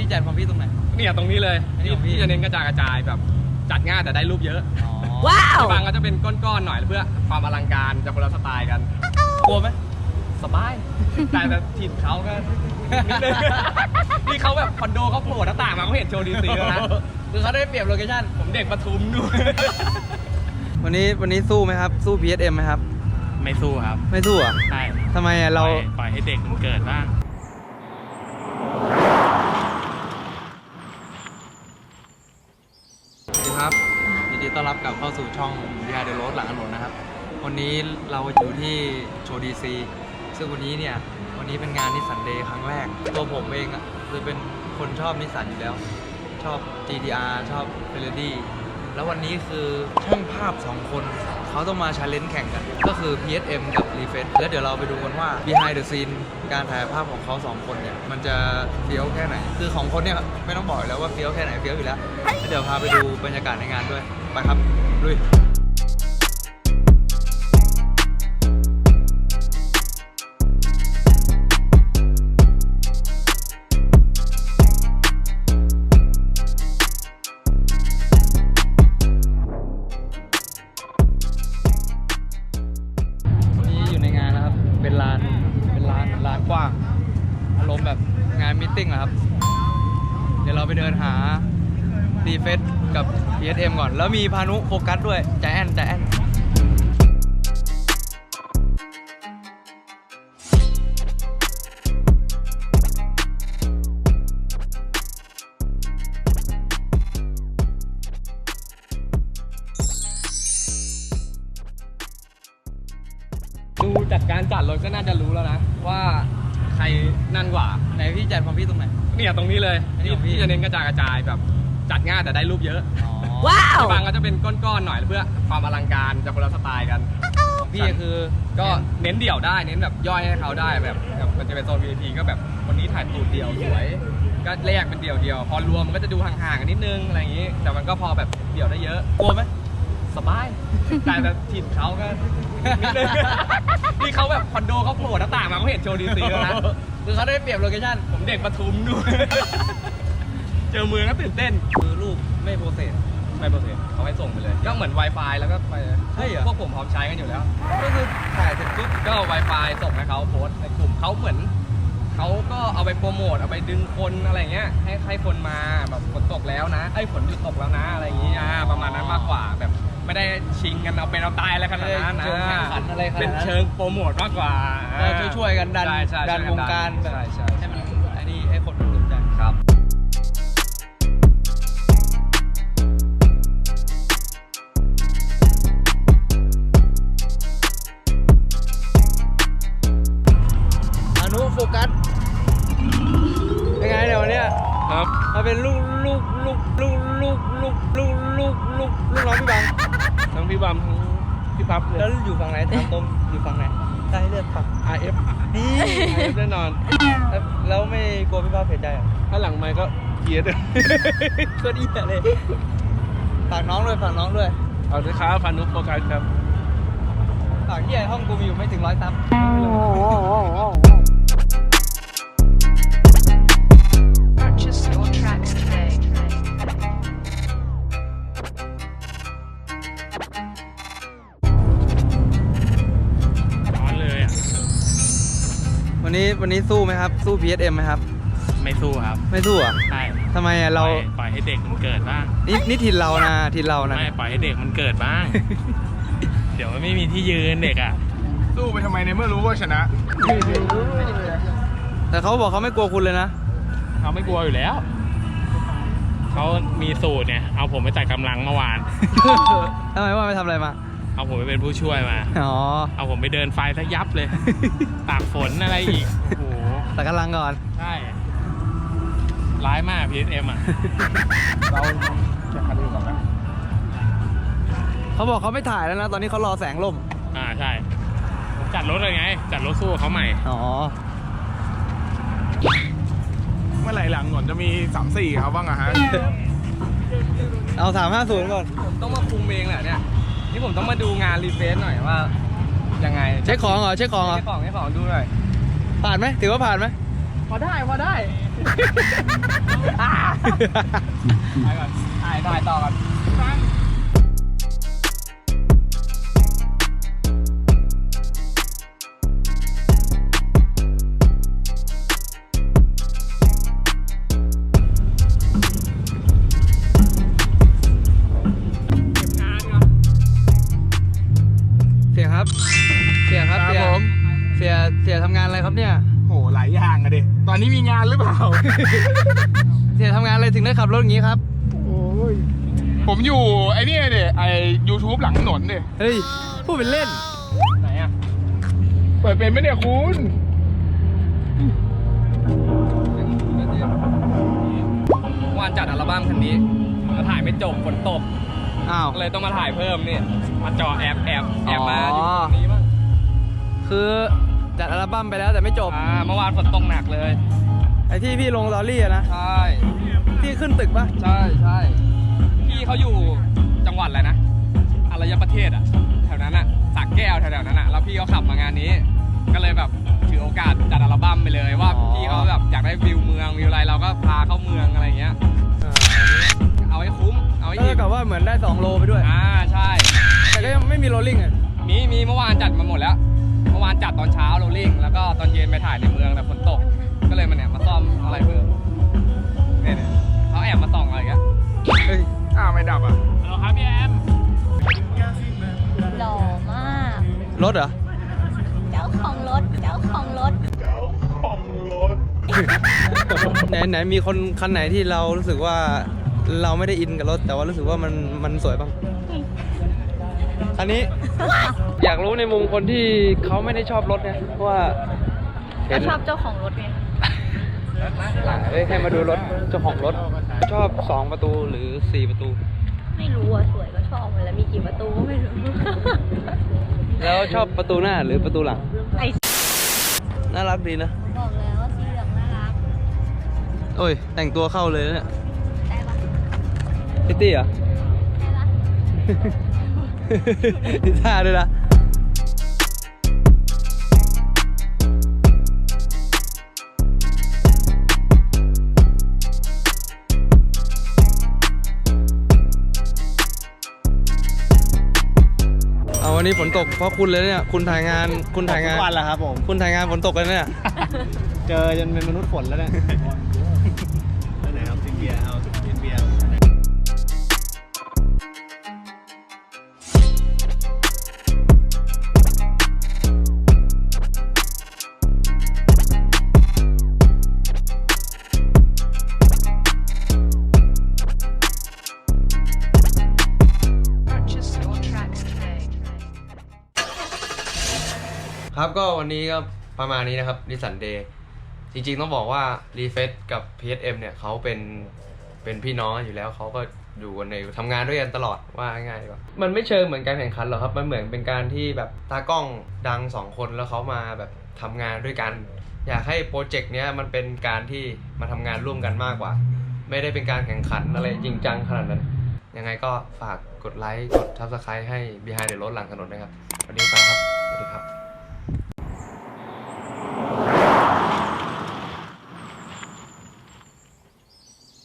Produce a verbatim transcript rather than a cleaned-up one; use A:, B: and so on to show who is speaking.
A: พี่จัดของพี่ตรงไหน
B: เนี่ยตรงนี้เลยที่พี่จะเน้นกระจายกระจายแบบจัดง่ายแต่ได้รูปเยอะ
A: ว้าว
B: บางก็จะเป็นก้อนๆหน่อยเพื่อความอลังการจะคนละสไตล์กัน
A: กลัวไหม
B: สบายแต่แต่ถิ่นเขาก็นิดนึงนี่เขาแบบคอนโดเขาโผล่หน้าต่างมาเขาเห็นโชว์ดีซีแล้วนะ
A: คือเขาได้เปรียบโลเคชั่น
B: ผมเด็กปทุมดู
A: วันนี้วันนี้สู้ไหมครับสู้ พี เอส เอ็ม ไหมครับ
C: ไม่สู้ครับ
A: ไม่สู้อ่ะ
C: ใช่
A: ทำไมอ่ะเรา
C: ปล่อยให้เด็กมันเกิดบ้าง
A: สวัสดีครับยินดีต้อนรับกลับเข้าสู่ช่อง Behind the Road หลังถนนนะครับวันนี้เราอยู่ที่โชว์ดีซีซึ่งวันนี้เนี่ยวันนี้เป็นงานนิสสันเดย์ครั้งแรกตัวผมเองอ่ะคือเป็นคนชอบนิสสันอยู่แล้วชอบ จี ที อาร์ ชอบ Ferrari แล้ววันนี้คือช่างภาพสองคนเขาต้องมาชาเลนจ์แข่งกันก็คือ พี เอส เอ็ม กับ รีเฟรช แล้วเดี๋ยวเราไปดูกันว่า behind the scene การถ่ายภาพของเขาสองคนเนี่ยมันจะเฟี้ยวแค่ไหนคือของคนเนี่ยไม่ต้องบอกแล้วว่าเฟี้ยวแค่ไหนเฟี้ยวอยู่แล้วเดี๋ยวพาไปดูบรรยากาศในงานด้วยไปครับลุยเป็นร้านเป็นร้านร้านกว้างอารมณ์แบบงานมีตติ้งนะครับเดี๋ยวเราไปเดินหารีเฟซกับ พี เอส เอ็ม ก่อนแล้วมีพานุโฟกัสด้วยใจแอนใจแอน
B: ดูจากการจัดรถก็น่าจะรู้แล้วนะว่าใครนั่นกว่า
A: ไหนพี่จัดของพี่ตรงไหน
B: เนี่ยตรงนี้เลยที่พี่จะเน้นกระจายกระจายแบบจัดง่ายแต่ได้รูปเยอะ
A: ว้าว
B: บางก็จะเป็นก้อนๆหน่อยเพื่อความอลังการจะคนละสไตล์กัน
A: ของพี่คือ
B: ก็เน้นเดี่ยวได้เน้นแบบย่อยให้เขาได้แบบมันจะเป็นโซน วี ไอ พี ก็แบบวันนี้ถ่ายตูดเดี่ยวสวยก็แยกเป็นเดี่ยวเดียวพอรวมมันก็จะดูห่างๆกันนิดนึงอะไรอย่างนี้แต่มันก็พอแบบเดี่ยวได้เยอะ
A: กลัวไหม
B: สบายแต่แต่ถิ่นเขาก็นิดนึงนี่เขาแบบคอนโดเขาโผล่หน้าต่างมาเขาเห็นโชว์ดีซีแล้วนะ
A: คือเขาได้เปรียบโลเคชั่น
B: ผมเด็กปทุมดูเจอเมืองก็ตื่นเต้น
A: คือรูปไม่โปรเซส
B: ไม่โปรเซสเขาให้ส่งไปเลยก็เหมือน Wi-Fi แล้วก็ไปใช่เหรอพวกผมพร้อมใช้กันอยู่แล้ว
A: ก็คือถ่ายเสร็จปุ๊บ
B: ก็ Wi-Fi ส่งให้เขาโพสในกลุ่มเขาเหมือนเขาก็เอาไปโปรโมทเอาไปดึงคนอะไรเงี้ยให้ให้คนมาแบบฝนตกแล้วนะไอ้ฝนหยุดตกแล้วนะอะไรอย่างงี้อ่าประมาณนั้นมากกว่าแบบไม่ได้ชิงกันเอาเป็นเอาตายอะไรขนาดนั้นนะเป็นเชิงโปรโมทมากกว่า
A: ก็ช่วยๆกันดันดันวงการแบบให้มันไอ้นี่ให้คนสนใจ
B: ครับ
A: อนุโฟกัสยังไงเดี๋ยววันนี้
B: ครับ
A: มาเป็นลูกลูกลูกลูกลูกลูกลูกลูกลูกลูกน้องพี่บัง
B: ทั้งพี่บัมทั้งพี่พับเลย
A: แล้วอยู่ฝั่งไหนทางตรงอยู่ฝั่งไหนใต้เลือดฝั่ง
B: อาร์ เอฟ
A: นี่
B: อาร์ เอฟ แน่นอน
A: แล้วไม่กลัวพี่พับเสียใจอ่ะ
B: ถ้าหลังไมค์ก็เกียร์เลย
A: ก็ดีเลยฝากน้องด้วยฝากน้องด้วย
B: เอาด้วยครับพานุโฟกัสครับ
A: ฝากที่ไอ้ห้องกูมีอยู่ไม่ถึงร้อยซับวันนี้วันนี้สู้ไหมครับสู้ พี เอส เอ็ม ไหมครับ
C: ไม่สู้ครับ
A: ไม่สู้อ่ะ
C: ใช่
A: ทำไมอ่ะเรา
C: ปล่อยให้เด็กมันเกิดบ้าง
A: นี่นี่ถิ่นเรานะถิ่นเรานะ
C: ไม่ปล่อยให้เด็กมันเกิดบ้าง เดี๋ยวมันไม่มีที่ยืนเด็กอ่ะ
B: สู้ไปทำไมในเมื่อรู้ว่าชนะ
A: แต่เขาบอกเขาไม่กลัวคุณเลยนะ
C: เขาไม่กลัวอยู่แล้วเขามีสูตรเนี่ยเอาผมไปจัดกำลังเมื่อวาน
A: ทำไมว่าไปทำอะไรมา
C: เอาผมไปเป็นผู้ช่วยมา
A: อ๋อ
C: เอาผมไปเดินไฟซะยับเลยตากฝนอะไรอีกโอ้โห
A: แต่กำลังก่อน
C: ใช่ร้ายมาก พี เอส เอ็ม อ่ะ
B: เราจะคัดดูก่อนนะ
A: เขาบอกเขาไม่ถ่ายแล้วนะตอนนี้เขารอแสงลม
C: อ่าใช่จัดรถเลยไงจัดรถสู้เขาใหม่
A: อ๋อ
B: เมื่อไหร่หลังหนจะมีสามสี่เขาบ้างอะฮะ
A: เอาสามห้าศูนย์ก่อน
B: ผมต้องมาคุมเองแหละเนี่ยนี่ผมต้องมาดูงานรีเฟซหน่อยว่ายังไง
A: เช็คของเหรอเช็คของเหรอ
B: เช็คของเช็คของดูหน่อย
A: ผ่านไหมถือว่าผ่านไหม
B: พอได้พอได้
A: อ่ะ
B: ไปก่อนถ่ายถ่ายต่อก่อน
A: เสียครับ เสียครับ
D: ครับ
A: เสีย
D: ผม
A: เสียเสียทำงานอะไรครับเนี่ย
D: โหหลายอย่างอะดิตอนนี้มีงานหรือเปล่า
A: เสียทำงานอะไรถึงได้ขับรถอย่างนี้ครับ
D: โอ้ยผมอยู่ไอ้นี่เดไอ้ยูทูบหลังถนนเด
A: เฮ้ยพูดเป็นเล่น
B: ไหนอ่ะ
D: เปิดเป็นไหมเนี่ยคุณ
B: วานจัดอัลบั้มคันนี้มาถ่ายไม่จบฝนตก
A: อ้าว
B: เลยต้องมาถ่ายเพิ่มนี่มาจอแอบแอบแอบมา
A: อ๋
B: อ
A: อ
B: ยู่ตรงนี้บ้าง
A: คือจัดอัลบั้มไปแล้วแต่ไม่จบ
B: อ่าเมื่อวานฝนตกหนักเลย
A: ไอ้ที่พี่ลงสตอรี่อะนะ
B: ใช่
A: ที่ขึ้นตึกปะ
B: ใช่ใช่พี่เขาอยู่จังหวัดอะไรนะอารยประเทศอ่ะแถวนั้นอ่ะสระแก้วแถวๆนั้นอ่ะแล้วพี่เขาขับมางานนี้ ก็เลยแบบถือโอกาสจัดอัลบั้มไปเลยว่าพี่เขาแบบอยากได้วิวเมืองวิวอะไรเราก็พาเข้าเมืองอะไรเงี้ย
A: อ่า
B: เอาให้คุ้มเอาให้
A: เอ
B: อิ่
A: อ
B: ม
A: กับว่าเหมือนได้สองโลไปด้วย
B: อ่าใช่
A: แต่ก็ยังไม่มีโรลลิ่งอ่ะ
B: มีมีเมื่อวานจัดมาหมดแล้ว เมื่อวานจัดตอนเช้าโรลลิ่งแล้วก็ตอนเย็นไปถ่ายในเมืองแต่ฝนตก ก็เลยมาเนี่ยมาซ่อมอะไรเพิ่มเนี่ยเนี่ยเขาแอบมาส่องอะไรอย่างเงี้ย
A: เฮ้ย
D: อ้าวไม่ดับอ่ะ
C: ฮัลโหลครับพี่แอม
E: หล่อมาก
A: รถเหรอ
E: เจ้าของรถ เจ้าของรถ
A: ไหนไหนมีคนคันไหนที่เรารู้สึกว่าเราไม่ได้อินกับรถ แต่ว่ารู้สึกว่ามันมันสวยบ้างอันนี้ อยากรู้ในมุมคนที่เขาไม่ได้ชอบรถไงเพราะว่าเห็
E: ก็
A: น
E: ชอบเจ้าของรถไง
A: เอ้ยให้มาดูรถเจ้าของรถ ชอบสองประตูหรือสี่ประตู
E: ไม่รู้อ่ะ สวยก็ชอบมันแล้วมีกี่ประตูก็ไม่รู้
A: แล้วชอบประตูหน้าหรือประตูหลัง
E: ไอ้
A: น่ารักดีนะ
E: บอกแล้วว่าสีเหลืองน่ารัก
A: โอ้ย แต่งตัวเข้าเลยนะเนี่ย
E: ได้ปะ
A: พิตตี้เหรอ
E: ได้ปะ
A: ดิท่าด้วยนะเอาวันนี้ฝนตกเพราะคุณเลยเนี่ย คุณถ่ายงาน คุณถ่ายงาน
D: ทุกวันแหละครับผม
A: คุณถ่ายงานฝนตกเลยเนี่ย
D: เจอจนเป็นมนุษย์ฝนแล้วเนี่ยไหนเอาซินเบียร์เอาซินเบียร์
A: ครับก็วันนี้ก็ประมาณนี้นะครับนิสสันเดย์จริงๆต้องบอกว่ารีเฟซกับ พี เอส เอ็ม เนี่ยเขาเป็นเป็นพี่น้องอยู่แล้วเขาก็อยู่กันในทำงานด้วยกันตลอดว่าง่ายๆดีกว่ามันไม่เชิงเหมือนการแข่งขันหรอกครับมันเหมือนเป็นการที่แบบตากล้องดังสองคนแล้วเขามาแบบทำงานด้วยกัน อยากให้โปรเจกต์เนี้ยมันเป็นการที่มาทำงานร่วมกันมากกว่า ไม่ได้เป็นการแข่งขันอะไรจริงจังขนาดนั้นยังไงก็ฝากกดไลค์กด ซับสไครบ์ ให้ Behind the Road หลังถนนนะครับวันนี้ไปครับสวัสดีครับ